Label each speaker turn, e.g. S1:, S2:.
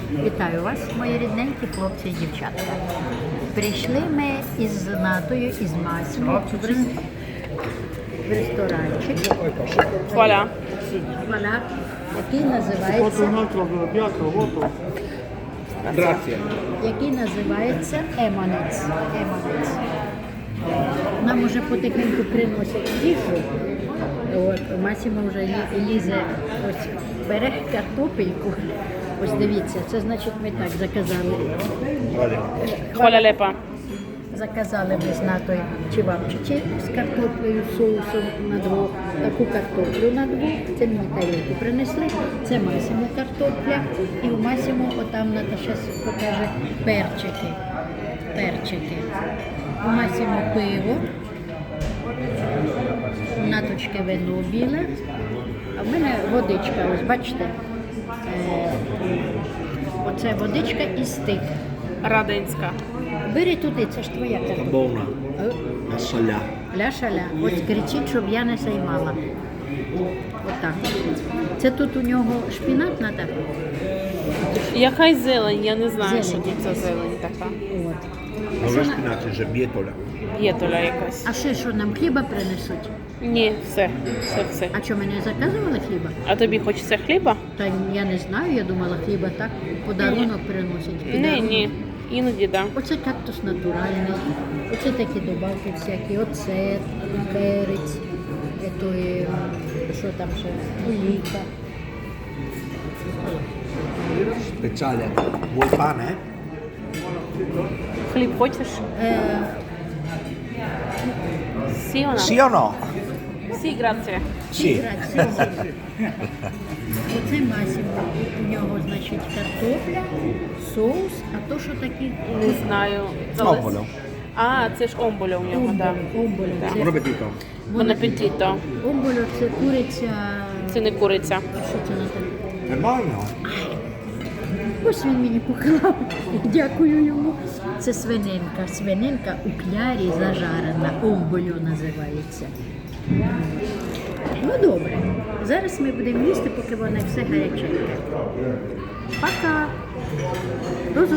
S1: Вітаю вас, мої рідненькі хлопці і дівчатка. Прийшли ми із Натою, із Масьмою в ресторанчик,
S2: Вуаля.
S1: Вона, який називається, який називається Еманець. Еманець. Нам уже потихеньку приносять їжу. От, Масіма вже лізе, ось бере картопельку. Ось дивіться, це значить ми так заказали.
S2: Хваля лепа.
S1: Заказали ми з Натою чевапчичі з картоплею, соусом на двох, таку картоплю на двох, це мені тарілку принесли, це Масімо картопля, і у Масімо, отам Ната зараз покаже, перчики. Перчики. У Масімо пиво, у Наточки вино біле, а в мене водичка, ось бачите, оце водичка і стик.
S2: Радинська.
S1: Бери туди, це ж твоя картопля.
S3: Buona, la saля.
S1: Ля-шаля. Ось кричіть, щоб я не займала. Отак. Це тут у нього шпінат надо?
S2: Яка зелень? Я не знаю,
S1: Зелень.
S2: що тут за зелень така.
S1: От.
S3: Non è spinaci, c'è bietola.
S2: Єтоля якась.
S1: А ще що, нам хліба принесуть?
S2: Ні, все.
S1: А що, мене заказували хліба?
S2: А тобі хочеться хліба?
S1: Та я не знаю, я думала, хліба так, подарунок приносять.
S2: Ні,
S1: Подарунок.
S2: ні. Іноді да.
S1: Оце кактус натуральний, оце такі добавки всякі, оцет, перець, етої, що там ще, олійка.
S3: Speciale. Vuoi pane?
S2: Хліб хочеш? Сіона?
S3: Sì o no?
S2: Сі, грація.
S3: Sì.
S1: Оце Масімо, у нього, значить, картопля, соус, а то, що такі
S2: Не знаю.
S3: Омболо.
S2: А, це ж омболя у нього, так.
S1: омболю.
S3: Buon appetito.
S2: Бон апетіто.
S1: Омболю це куриця,
S2: Це не куриця.
S1: а що це на те?
S3: È buono?
S1: Ось він мені поклав, дякую йому. Це свининка, свининка у клярі зажарена, омболю називається. Ну добре, зараз ми будемо їсти, поки воно все гаряченьке. Пока! До